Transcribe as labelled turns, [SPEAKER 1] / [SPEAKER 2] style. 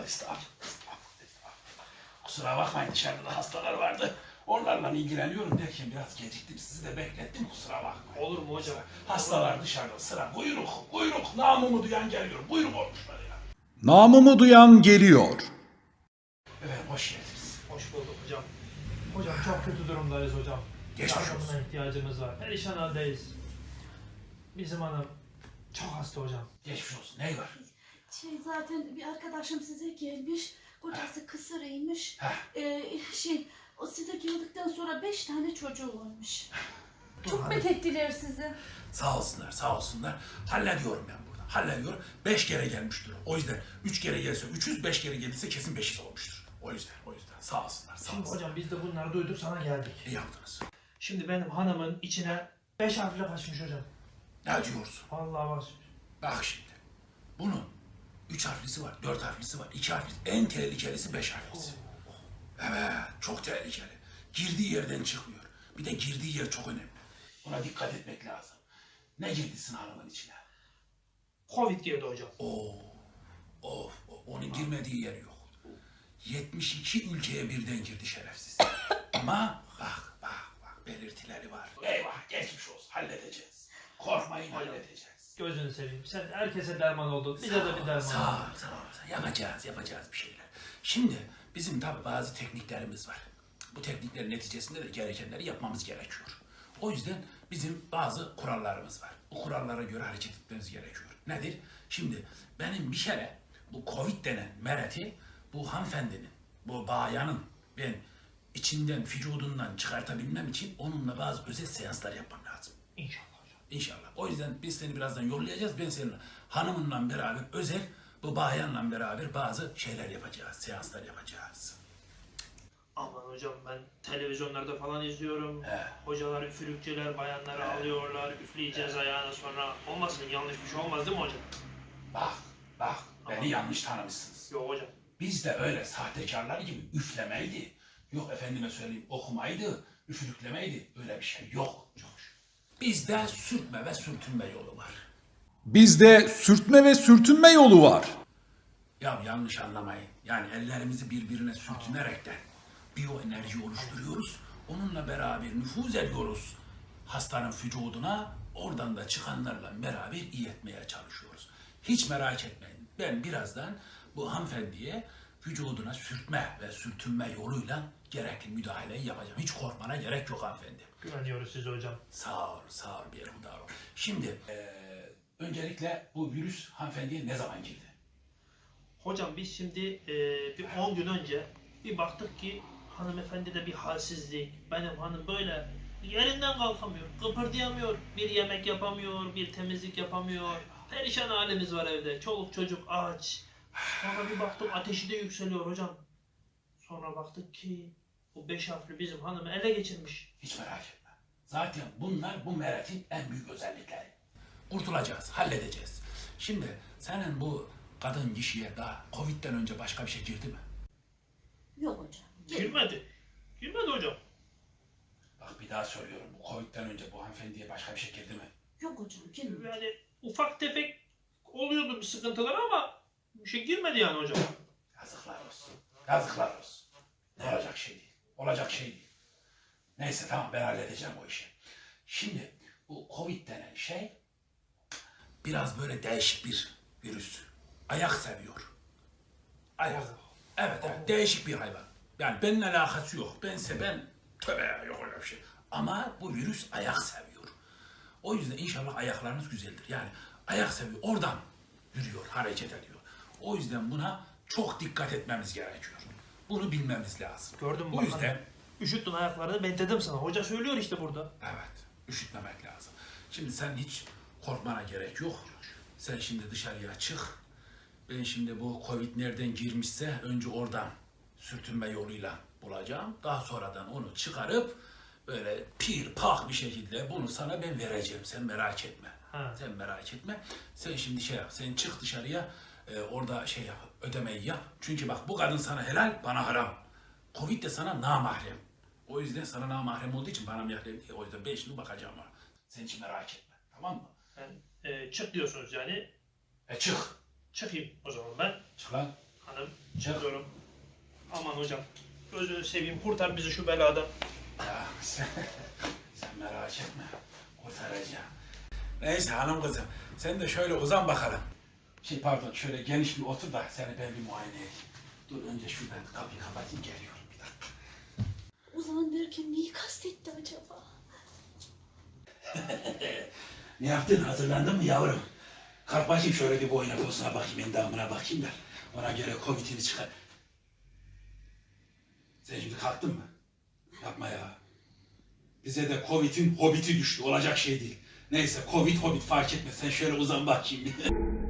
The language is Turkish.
[SPEAKER 1] Estağfurullah. Kusura bakmayın, dışarıda da hastalar vardı. Onlarla ilgileniyorum derken biraz geciktim. Sizi de beklettim, kusura bakmayın.
[SPEAKER 2] Olur mu hocam?
[SPEAKER 1] Hastalar dışarıda, sıra. Buyruk. Namımı duyan geliyor. Buyruk olmuşlar ya.
[SPEAKER 3] Namımı duyan geliyor.
[SPEAKER 1] Evet, hoş geldiniz.
[SPEAKER 2] Hoş bulduk hocam. Hocam çok kötü durumdayız hocam.
[SPEAKER 1] Geçmiş
[SPEAKER 2] Yardımına
[SPEAKER 1] olsun.
[SPEAKER 2] ihtiyacımız var. Perişan haldeyiz. Bizim hanım çok hasta hocam.
[SPEAKER 1] Geçmiş olsun. Ney var?
[SPEAKER 4] Zaten bir arkadaşım size gelmiş. Kocası kısırıymış.
[SPEAKER 1] Heh.
[SPEAKER 4] O size geldikten sonra 5 tane çocuğu olmuş.
[SPEAKER 2] Çok
[SPEAKER 4] Methettiler sizi.
[SPEAKER 1] Sağ olsunlar. Hallediyorum ben burada. Hallediyorum. 5 kere gelmiştir. O yüzden 3 kere gelse 300, 5 kere gelirse kesin 500 olmuştur. O yüzden. Sağ olsunlar.
[SPEAKER 2] Şimdi hocam biz de bunları duyduk sana geldik.
[SPEAKER 1] İyi yaptınız.
[SPEAKER 2] Şimdi benim hanımın içine 5 harfle kaçmış hocam.
[SPEAKER 1] Ne diyorsun?
[SPEAKER 2] Vallahi var.
[SPEAKER 1] Bak şimdi. Bunun 3 harflisi var, 4 harflisi var, 2 harflisi. En tehlikelisi 5 harflisi. Evet, çok tehlikeli. Girdiği yerden çıkmıyor. Bir de girdiği yer çok önemli. Buna dikkat etmek lazım. Ne girdisin hanımın içine?
[SPEAKER 2] Covid girdi hocam.
[SPEAKER 1] Onun girmediği yer yok. 72 ülkeye birden girdi şerefsiz. Ama bak, belirtileri var. Eyvah, geçmiş olsun, halledeceğiz. Korkmayın, halledeceğiz.
[SPEAKER 2] Gözünü seveyim. Sen herkese derman oldun. Bize de bir derman
[SPEAKER 1] Sağ
[SPEAKER 2] ol.
[SPEAKER 1] ol. Yapacağız bir şeyler. Şimdi bizim tabi bazı tekniklerimiz var. Bu tekniklerin neticesinde de gerekenleri yapmamız gerekiyor. O yüzden bizim bazı kurallarımız var. Bu kurallara göre hareket etmemiz gerekiyor. Nedir? Şimdi benim bir kere bu Covid denen mereti bu hanımefendinin, bu bayanın ben içinden, vücudundan çıkartabilmem için onunla bazı özel seanslar yapmam lazım.
[SPEAKER 2] İnşallah hocam.
[SPEAKER 1] İnşallah. O yüzden biz seni birazdan yollayacağız. Ben senin hanımınla beraber özel, bu bayanla beraber bazı şeyler yapacağız, seanslar yapacağız.
[SPEAKER 2] Aman hocam ben televizyonlarda falan izliyorum.
[SPEAKER 1] He.
[SPEAKER 2] Hocalar üfürükçüler bayanları alıyorlar. Üfleyeceğiz ayağına sonra. Olmasın yanlış bir şey olmaz değil mi hocam?
[SPEAKER 1] Bak, beni yanlış tanımışsınız.
[SPEAKER 2] Yok hocam.
[SPEAKER 1] Biz de öyle sahtekarlar gibi üflemeydi. Yok efendime söyleyeyim okumaydı, üfürüklemeydi. Öyle bir şey yok. Bizde sürtme ve sürtünme yolu var.
[SPEAKER 3] Bizde sürtme ve sürtünme yolu var.
[SPEAKER 1] Ya yanlış anlamayın. Yani ellerimizi birbirine sürtünerekten biyoenerji oluşturuyoruz. Onunla beraber nüfuz ediyoruz hastanın vücuduna. Oradan da çıkanlarla beraber iyi etmeye çalışıyoruz. Hiç merak etmeyin. Ben birazdan bu hanımefendiye vücuduna sürtme ve sürtünme yoluyla gerekli müdahaleyi yapacağım. Hiç korkmana gerek yok hanımefendi.
[SPEAKER 2] Güveniyoruz size hocam.
[SPEAKER 1] Sağ ol bir Berhudar ol. Şimdi öncelikle bu virüs hanımefendiye ne zaman girdi?
[SPEAKER 2] Hocam biz şimdi bir 10 gün önce bir baktık ki hanımefendide bir halsizlik. Benim hanım böyle yerinden kalkamıyor, kıpırdayamıyor. Bir yemek yapamıyor, bir temizlik yapamıyor. Perişan halimiz var evde. Çoluk çocuk aç. Sonra bir baktık ateşi de yükseliyor hocam. Sonra baktık ki bu 5 harfli bizim hanımı ele geçirmiş.
[SPEAKER 1] Hiç merak etme. Zaten bunlar bu meretin en büyük özellikleri. Kurtulacağız, halledeceğiz. Şimdi senin bu kadın kişiye daha Covid'den önce başka bir şey girdi mi?
[SPEAKER 4] Yok hocam.
[SPEAKER 2] Girmedi. Girmedi hocam.
[SPEAKER 1] Bak bir daha söylüyorum. Bu Covid'den önce bu hanımefendiye başka bir şey girdi mi?
[SPEAKER 4] Yok hocam. Gelin.
[SPEAKER 2] Yani ufak tefek oluyordu bir sıkıntılar ama bir şey girmedi yani hocam.
[SPEAKER 1] Yazıklar olsun. Ne olacak şey değil. Olacak şey değil. Neyse tamam ben halledeceğim o işi. Şimdi bu Covid denen şey biraz böyle değişik bir virüs. Ayak seviyor. Ayak. Evet değişik bir hayvan. Yani benimle alakası yok. Ben tövbe yok öyle bir şey. Ama bu virüs ayak seviyor. O yüzden inşallah ayaklarınız güzeldir. Yani ayak seviyor. Oradan yürüyor, hareket ediyor. O yüzden buna çok dikkat etmemiz gerekiyor. Bunu bilmemiz lazım.
[SPEAKER 2] Gördün mü
[SPEAKER 1] Bu
[SPEAKER 2] bakalım?
[SPEAKER 1] yüzden
[SPEAKER 2] Üşüttün ayaklarını ben dedim sana. Hoca söylüyor işte burada.
[SPEAKER 1] evet, üşütmemek lazım. Şimdi sen hiç korkmana gerek yok. Sen şimdi dışarıya çık. Ben şimdi bu Covid nereden girmişse önce oradan sürtünme yoluyla bulacağım. Daha sonradan onu çıkarıp böyle pir pak bir şekilde bunu sana ben vereceğim. Sen merak etme.
[SPEAKER 2] Ha.
[SPEAKER 1] Sen merak etme. Sen şimdi şey yap. Sen çık dışarıya orada şey yap. Ödemeyi yap. Çünkü bak bu kadın sana helal, bana haram. Covid de sana namahrem. O yüzden sana namahrem olduğu için bana mahrem değil. O yüzden ben şimdi bakacağım ona. Sen hiç merak etme. Tamam mı?
[SPEAKER 2] Yani, çık diyorsunuz yani.
[SPEAKER 1] Çık.
[SPEAKER 2] Çıkayım o zaman ben.
[SPEAKER 1] Çık lan.
[SPEAKER 2] Hanım
[SPEAKER 1] Çık.
[SPEAKER 2] çıkıyorum. Aman hocam. Gözünü seveyim kurtar bizi şu beladan.
[SPEAKER 1] Ya sen merak etme. Kurtaracağım. Neyse hanım kızım. Sen de şöyle uzan bakalım. Pardon şöyle geniş bir otur da seni ben bir muayene edeyim. Dur önce şuradan kapıyı kapatayım geliyorum bir dakika.
[SPEAKER 4] Uzan derken neyi kastetti acaba?
[SPEAKER 1] Ne yaptın? Hazırlandın mı yavrum? Kalk bakayım şöyle bir boyuna posuna bakayım, endamına bakayım da ona göre Covid'ini çıkar. Sen şimdi kalktın mı? Yapma ya. Bize de Covid'in hobiti düştü. Olacak şey değil. Neyse Covid, Hobbit fark etmez. Sen şöyle uzan bakayım.